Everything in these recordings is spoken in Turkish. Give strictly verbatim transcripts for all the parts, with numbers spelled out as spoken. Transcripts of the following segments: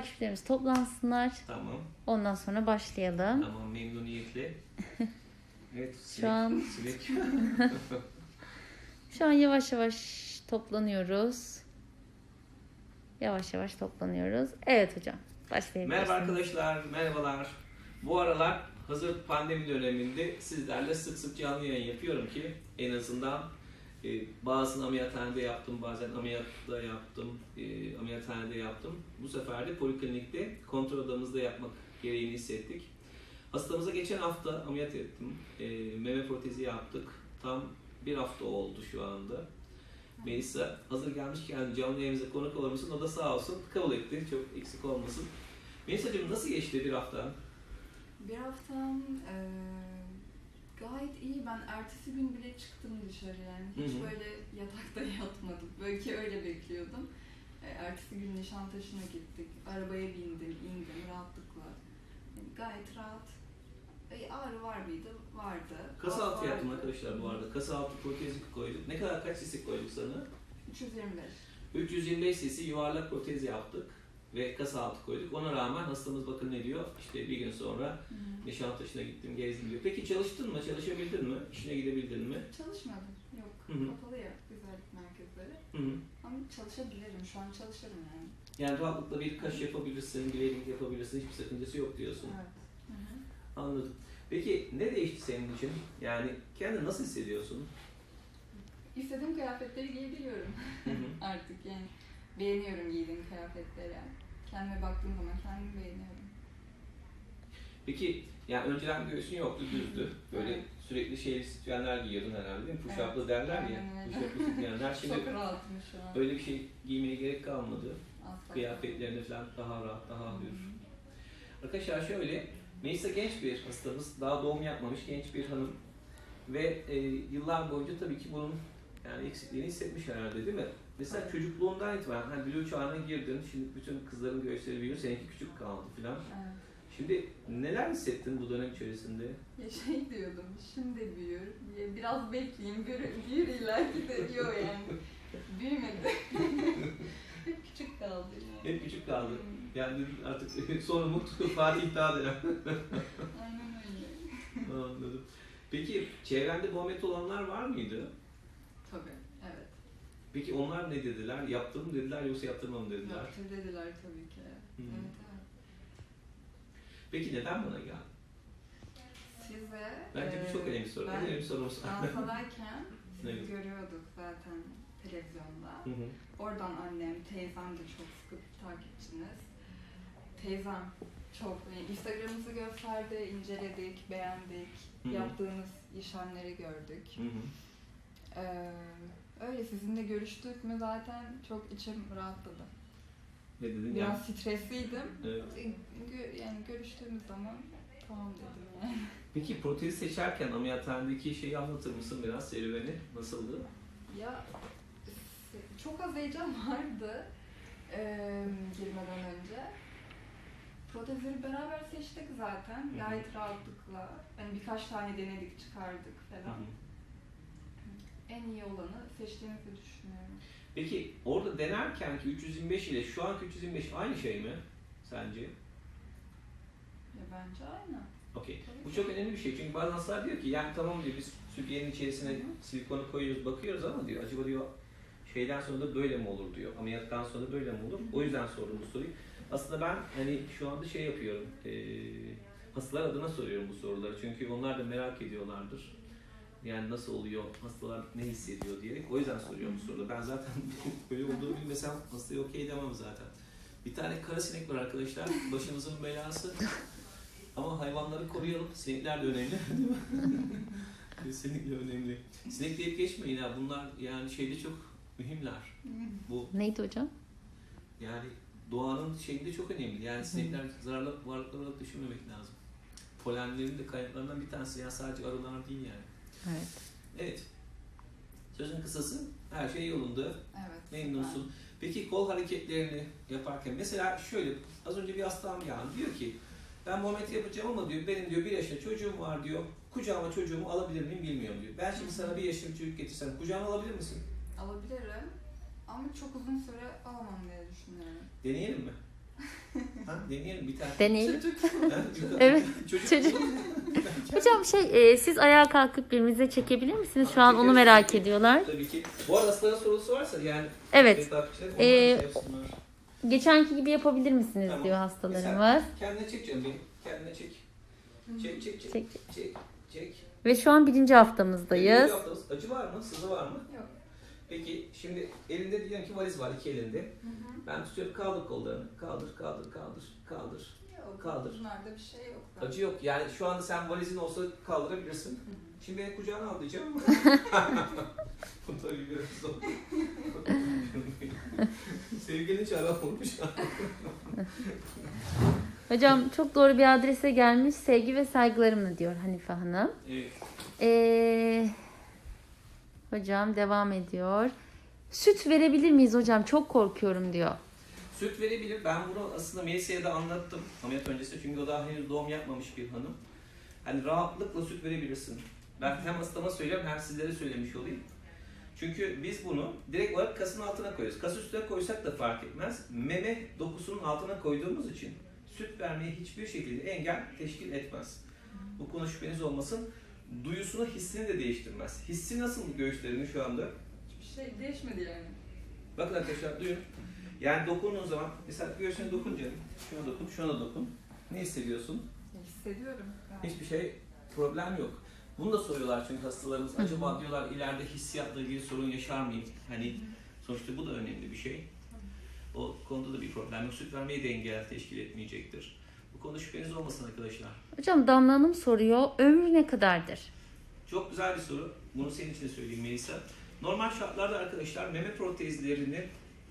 takipçilerimiz toplansınlar. Tamam. Ondan sonra başlayalım. Tamam, memnuniyetle. Evet, Şu sinek, an sinek. şu an yavaş yavaş toplanıyoruz. Yavaş yavaş toplanıyoruz. Evet hocam, başlayabilirsiniz. Merhaba arkadaşlar, merhabalar. Bu aralar hazır pandemi döneminde sizlerle sık sık canlı yayın yapıyorum ki en azından e, bazısını ameliyathanede yaptım, bazen ameliyatta yaptım, e, ameliyathanede yaptım. Bu sefer de poliklinikte kontrol odamızda yapmak gereğini hissettik. Hastamıza geçen hafta ameliyat ettim, e, meme protezi yaptık. Tam bir hafta oldu şu anda. Melisa hazır gelmişken canlı yayınımıza konuk olur musun? O da sağ olsun kabul etti, çok eksik olmasın. Melisa'cığım nasıl geçti bir hafta? Bir haftam e, gayet iyi. Ben ertesi gün bile çıktım dışarı yani. Hiç Hı hı. böyle yatakta yatmadım. Belki öyle bekliyordum. E, ertesi gün Nişantaşı'na gittik. Arabaya bindim, indim rahatlıkla. Yani gayet rahat. E, ağrı var mıydı? Vardı. Kasa Ağrı altı vardı. yaptım arkadaşlar bu arada. Kasa altı protezi koyduk. Ne kadar, kaç cc koyduk sana? üç yüz yirmi beş. üç yüz yirmi beş cc yuvarlak protez yaptık. Ve kasa altı koyduk. Ona rağmen hastamız bakın ne diyor? İşte bir gün sonra Hı-hı. Nişantaşı'na gittim, gezdim diyor. Peki çalıştın mı? Çalışabildin mi? İşine gidebildin mi? Çalışmadım. Yok. Hı-hı. Kapalı ya güzellik merkezleri. Hı hı. Ama çalışabilirim. Şu an çalışırım yani. Yani rahatlıkla bir kaş yapabilirsin, bileklik yapabilirsin. Hiçbir sakıncası yok diyorsun. Evet. Hı-hı. Anladım. Peki ne değişti senin için? Yani kendini nasıl hissediyorsun? İstediğim kıyafetleri giyebiliyorum Hı hı. artık yani. Beğeniyorum giydiğim kıyafetleri. Kendime baktığım zaman kendimi beğeniyorum. Peki yani önceden göğsün yoktu, düzdü. Böyle Evet. sürekli şeyli sütyenler giyiyordun herhalde değil mi? Push-up'lı Evet, derler ya. aynen öyle. Push-up'lı sütyenler. Şimdi Çok rahatım şu an. öyle bir şey giymeye gerek kalmadı. Asla. Kıyafetlerinde falan daha rahat, daha Hı hı. hür. Arkadaşlar şöyle, Melisa genç bir hastamız. Daha doğum yapmamış genç bir hanım. Ve e, yıllar boyunca tabii ki bunun yani eksikliğini hissetmiş herhalde değil mi? Mesela Evet. çocukluğundan itibaren hani blue çağına girdin, şimdi bütün kızların göğüsleri büyüyor, seninki küçük kaldı filan. Evet. Şimdi neler hissettin bu dönem içerisinde? Ya şey diyordum, şimdi büyür, ya biraz bekleyeyim, büyür, büyür illaki de diyor yani. Büyümedi. Hep küçük kaldı yani. Hep küçük kaldı. Yani artık son umut Fatih Dağ'dır. Aynen öyle. Anladım. Peki çevrende Muhammed olanlar var mıydı? Tabii, evet. Peki onlar ne dediler? Yaptım mı dediler yoksa yaptırmam mı dediler? Yaptır dediler tabii ki. Hmm. Evet, evet. Peki neden bana geldin? Size... Bence bu e, çok önemli soru. En ben önemli sorumuz. Fransa'dayken sizi Evet. görüyorduk zaten televizyonda. Hı hı. Oradan annem, teyzem de çok sıkı bir takipçiniz. Teyzem çok, yani Instagram'ınızı gösterdi, inceledik, beğendik, Hı hı. yaptığınız işlemleri gördük. Hı hı. Ee, öyle sizinle görüştük mü zaten çok içim rahatladı. Ne dedin? Biraz stresliydim. Evet. Gö- yani görüştüğümüz zaman tamam dedim yani. Peki protezi seçerken ameliyathanedeki şeyi anlatır mısın biraz serüveni? Nasıldı? Ya se- çok az heyecan vardı ee, girmeden önce. Protezleri beraber seçtik zaten. Hı hı. Gayet rahatlıkla. Yani birkaç tane denedik, çıkardık Hı falan. hı. En iyi olanı seçtiğimizi düşünüyorum. Peki orada denerken ki üç yüz yirmi beş ile şu anki üç yüz yirmi beş aynı şey mi sence? Ya bence aynı. Okey. Tabii Bu ki. çok önemli bir şey çünkü bazı hastalar diyor ki yani tamam diyor biz sütyenin içerisine Hı hı. silikonu koyuyoruz bakıyoruz ama diyor acaba diyor şeyden sonra da böyle mi olur diyor. Ameliyattan sonra da böyle mi olur? Hı hı. O yüzden sordum bu soruyu. Aslında ben hani şu anda şey yapıyorum. E, hastalar adına soruyorum bu soruları çünkü onlar da merak ediyorlardır. Yani nasıl oluyor, hastalar ne hissediyor diyerek. O yüzden soruyorum bu soruları. Ben zaten böyle olduğunu bilmesem hastaya okey demem zaten. Bir tane kara sinek var arkadaşlar. Başımızın belası. Ama hayvanları koruyalım. Sinekler de önemli. Değil mi? Kesinlikle önemli. Sinek deyip geçmeyin ha. Bunlar yani şeyde çok mühimler. Bu Neydi hocam? yani doğanın şeyinde çok önemli. Yani sinekler zararlı varlıklar olarak düşünmemek lazım. Polenlerin de kaynaklarından bir tanesi. Yani sadece arılar değil yani. Evet. Evet. Sözün kısası her şey yolunda. Evet. Memnunsun. Peki kol hareketlerini yaparken mesela şöyle az önce bir hastam geldi diyor ki ben Muhammed yapacağım ama diyor benim diyor bir yaşında çocuğum var diyor. Kucağıma çocuğumu alabilir miyim bilmiyorum diyor. Ben şimdi sana bir yaşında bir çocuk getirsem kucağına alabilir misin? Alabilirim ama çok uzun süre alamam diye düşünüyorum. Deneyelim mi? Ha, deneyelim bir tane. Deneyelim. Çocuk. Ha, Evet, Çocuk. çocuk. Hocam şey e, siz ayağa kalkıp birbirinize çekebilir misiniz? Şu an onu merak ediyorlar. Tabii ki. Bu arada hastaların sorusu varsa yani. Evet. takipçiler onlar Ee, şey yapsınlar. Geçenki gibi yapabilir misiniz Tamam. diyor hastalarımız. Kendine çek canım benim. Kendine çek. Çek çek çek. Çek. Çek. Çek. Ve şu an birinci haftamızdayız. Birinci haftamız. Acı var mı? Sızı var mı? Yok. Peki şimdi elinde diyelim ki valiz var iki elinde. Hı hı. Ben tutuyorum kaldır kollarını. Kaldır kaldır kaldır kaldır. Yok. Kaldır. Bunlarda bir şey yok. zaten. Acı yok. Yani şu anda sen valizin olsa kaldırabilirsin. Hı hı. Şimdi beni kucağına al diyeceğim. Bu tabii biraz zor. Sevgilini çağıran olmuş. Hocam çok doğru bir adrese gelmiş. Sevgi ve saygılarımla diyor Hanife Hanım. Evet. Ee, hocam devam ediyor. Süt verebilir miyiz hocam? Çok korkuyorum diyor. Süt verebilir. Ben bunu aslında Melisa'ya da anlattım ameliyat öncesi. Çünkü o daha henüz doğum yapmamış bir hanım. Hani rahatlıkla süt verebilirsin. Ben hem hastama söylüyorum hem sizlere söylemiş olayım. Çünkü biz bunu direkt olarak kasın altına koyuyoruz. Kas üstüne koysak da fark etmez. Meme dokusunun altına koyduğumuz için süt vermeye hiçbir şekilde engel teşkil etmez. Bu konu şüpheniz olmasın. Duyusunu, hissini de değiştirmez. Hissi nasıl göğüslerinin şu anda? Hiçbir şey değişmedi yani. Bakın arkadaşlar duyun. Yani dokunduğun zaman, mesela göğsüne dokun canım. Şuna dokun, şuna da dokun. Ne hissediyorsun? Hissediyorum. Yani. Hiçbir şey, problem yok. Bunu da soruyorlar çünkü hastalarımız. Acaba diyorlar ileride hissiyatla ilgili sorun yaşar mıyım? Hani sonuçta bu da önemli bir şey. O konuda da bir problem yok. Süt vermeyi de engel teşkil etmeyecektir. Bu konuda şüpheniz olmasın arkadaşlar. Hocam Damla Hanım soruyor. Ömrü ne kadardır? Çok güzel bir soru. Bunu senin için de söyleyeyim Melisa. Normal şartlarda arkadaşlar meme protezlerinin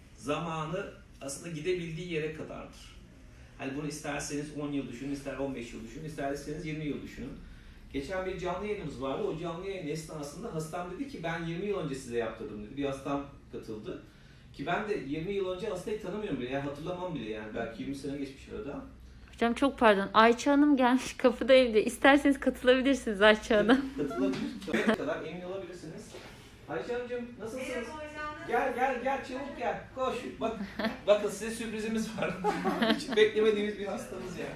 zamanı aslında gidebildiği yere kadardır. Hani bunu isterseniz on yıl düşünün, ister on beş yıl düşünün, isterseniz yirmi yıl düşünün. Geçen bir canlı yayınımız vardı. O canlı yayın esnasında hastam dedi ki ben yirmi yıl önce size yaptırdım dedi. Bir hastam katıldı. Ki ben de yirmi yıl önce hastayı tanımıyorum bile. Yani hatırlamam bile yani. Belki yirmi sene geçmiş arada. Hocam çok pardon. Ayça Hanım gelmiş kapıda evde. İsterseniz katılabilirsiniz Ayça Hanım. Katılabilir. Ne kadar emin olabilirsiniz. Ayşe Hanımcığım nasılsınız? Gel gel gel çabuk gel. Koş. Bak bakın size sürprizimiz var. Hiç beklemediğimiz bir hastamız ya.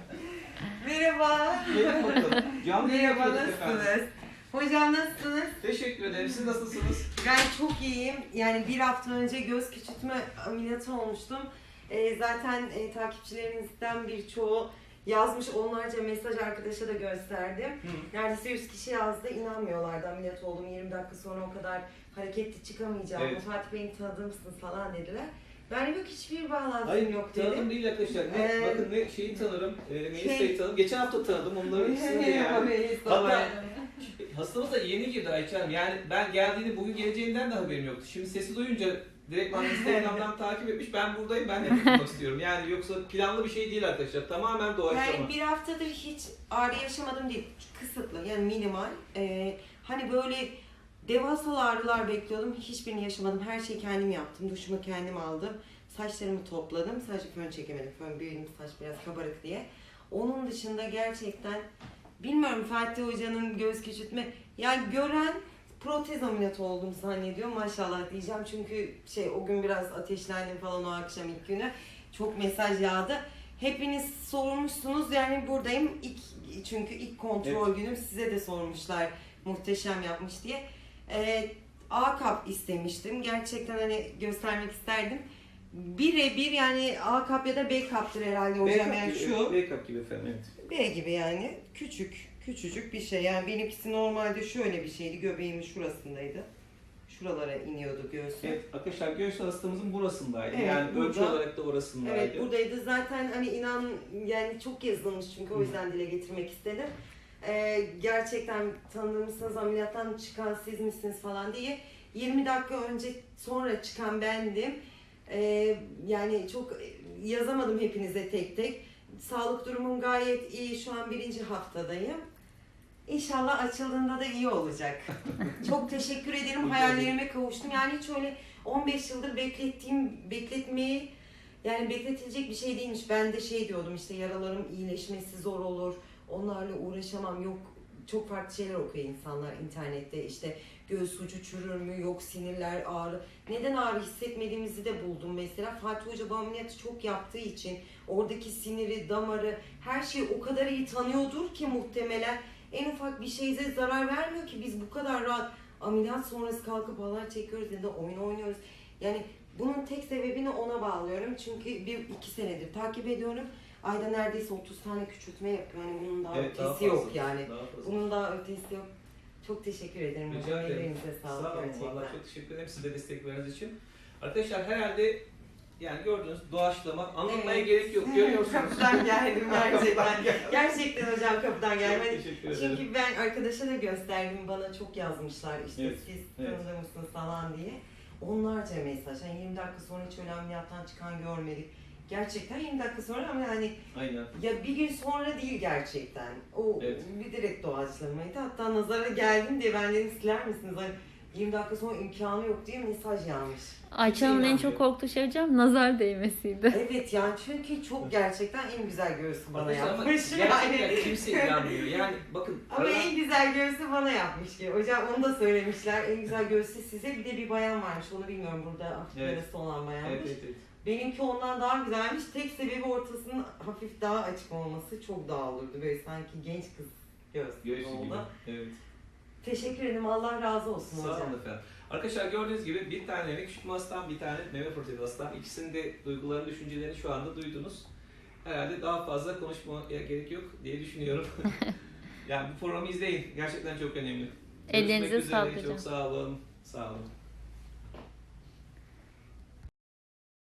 Merhaba. Gelin bakalım. Canlı yayın Merhaba, yapıyorduk efendim. nasılsınız? Hocam nasılsınız? Teşekkür ederim. Siz nasılsınız? Ben çok iyiyim. Yani bir hafta önce göz küçültme ameliyatı olmuştum. Ee, zaten e, takipçilerimizden birçoğu yazmış, onlarca mesaj arkadaşa da gösterdim. Hı. Neredeyse yüz kişi yazdı, inanmıyorlardı ameliyat oldum. yirmi dakika sonra o kadar hareketli çıkamayacağım. Evet. Fatih Bey'in tanıdığım mısınız falan dediler. Ben yok, hiçbir bağlantım Hayır yok tanıdım dedim. değil arkadaşlar. Ne, Ee, bakın ne şeyi tanırım. E, Melisa'yı şey- tanıdım. Geçen hafta tanıdım. Onların ikisini de yani. Merhaba, Hatta hastamız da yeni girdi Ayça Hanım. Yani ben geldiğini, bugün geleceğinden de haberim yoktu. Şimdi sesi duyunca direkt bana Instagram'dan takip etmiş. Ben buradayım, ben de yapmak istiyorum. Yani yoksa planlı bir şey değil arkadaşlar. Tamamen doğaçlama. Yani bir haftadır hiç ağrı yaşamadım değil. Kısıtlı yani minimal. Ee, hani böyle devasa ağrılar bekliyordum. Hiçbirini yaşamadım. Her şeyi kendim yaptım. Duşumu kendim aldım. Saçlarımı topladım. Sadece fön çekemedim. Fön benim saç biraz kabarık diye. Onun dışında gerçekten bilmiyorum, Fatih Hoca'nın göz küçültme. Yani gören protez ameliyatı oldum zannediyor. Maşallah diyeceğim. Çünkü şey o gün biraz ateşlendim falan o akşam ilk günü. Çok mesaj yağdı. Hepiniz sormuşsunuz, yani buradayım. İlk, çünkü ilk kontrol Evet. günüm, size de sormuşlar muhteşem yapmış diye. Ee, A kap istemiştim. Gerçekten hani göstermek isterdim. Birebir yani A kap ya da B kaptır herhalde hocam. Backup Yani gibi, şu backup gibi efendim, evet. B gibi yani. Küçük, küçücük bir şey. Yani benimkisi normalde şöyle bir şeydi. Göbeğimin şurasındaydı. Şuralara iniyordu göğsüm. Evet arkadaşlar göğüs hastamızın burasındaydı. Evet, yani ölçü burada. olarak da orasındaydı. Evet, buradaydı. Zaten hani inan yani çok yazılmış çünkü o yüzden dile getirmek istedim. Ee, gerçekten tanıdığımızsınız, ameliyattan çıkan siz misiniz falan diye. yirmi dakika önce sonra çıkan bendim. Ee, yani çok yazamadım hepinize tek tek. Sağlık durumum gayet iyi. Şu an birinci haftadayım. İnşallah açıldığında da iyi olacak. Çok teşekkür ederim. Hayallerime kavuştum. Yani hiç öyle on beş yıldır beklettiğim, bekletmeyi yani bekletilecek bir şey değilmiş. Ben de şey diyordum işte, yaralarım iyileşmesi zor olur. Onlarla uğraşamam. Yok çok farklı şeyler okuyor insanlar internette. İşte göğüs ucu çürür mü, yok sinirler ağrı. Neden ağrı hissetmediğimizi de buldum mesela. Fatih Hoca bu ameliyatı çok yaptığı için oradaki siniri, damarı, her şeyi o kadar iyi tanıyordur ki muhtemelen en ufak bir şeyse zarar vermiyor ki biz bu kadar rahat ameliyat sonrası kalkıp halay çekiyoruz ya da oyun oynuyoruz. Yani bunun tek sebebini ona bağlıyorum. Çünkü bir iki senedir takip ediyorum. Ayda neredeyse otuz tane küçültme yapıyor. Yani bunun daha Evet, daha ötesi fazla. yok yani. Daha fazla. Bunun daha ötesi yok. Çok teşekkür ederim. Rica hocam. ederim. Ellerinize sağlık Sağ olun. gerçekten. Vallahi çok teşekkür ederim size destek verdiğiniz için. Arkadaşlar herhalde yani gördüğünüz doğaçlama anlatmaya Evet. gerek yok. Görüyorsunuz. Kapıdan geldim gerçekten. Kapıdan geldim. Gerçekten hocam kapıdan Çok geldim. teşekkür ederim. Çünkü ben arkadaşa da gösterdim. Bana çok yazmışlar işte Evet, siz evet. tanıdığır mısınız falan diye. Onlarca mesaj. Yani yirmi dakika sonra hiç öyle ameliyattan çıkan görmedik. Gerçekten yirmi dakika sonra ama yani Aynen. ya bir gün sonra değil gerçekten. O Evet. bir direkt doğaçlamaydı. Hatta nazara geldim diye ben dedim siler misiniz? Hani yirmi dakika sonra imkanı yok diye mesaj yağmış. Ayça Hanım'ın en inanmıyor. çok korktuğu şey hocam nazar değmesiydi. Evet yani çünkü çok gerçekten en güzel göğsü bana Arkadaşlar ama yapmış. gerçekten Yani. kimse inanmıyor. Yani bakın. Ama aralar- en güzel göğsü bana yapmış ki. Hocam onu da söylemişler. En güzel göğsü size. Bir de bir bayan varmış. Onu bilmiyorum burada hafif Evet. yarısı olan bayanmış. Evet, evet, evet. Benimki ondan daha güzelmiş. Tek sebebi ortasının hafif daha açık olması. Çok daha olurdu. Böyle sanki genç kız göğsü gibi Göğsü gibi. oldu. Evet. Teşekkür ederim. Allah razı olsun Sağ hocam. olun efendim. Arkadaşlar gördüğünüz gibi bir tane meme küçültme hastam, bir tane meme protezi hastam. İkisinin de duygularını, düşüncelerini şu anda duydunuz. Herhalde daha fazla konuşmaya gerek yok diye düşünüyorum. Yani bu programı izleyin. Gerçekten çok önemli. Ellerinize Görüşmek üzere. sağlık hocam. Çok sağ olun. Sağ olun.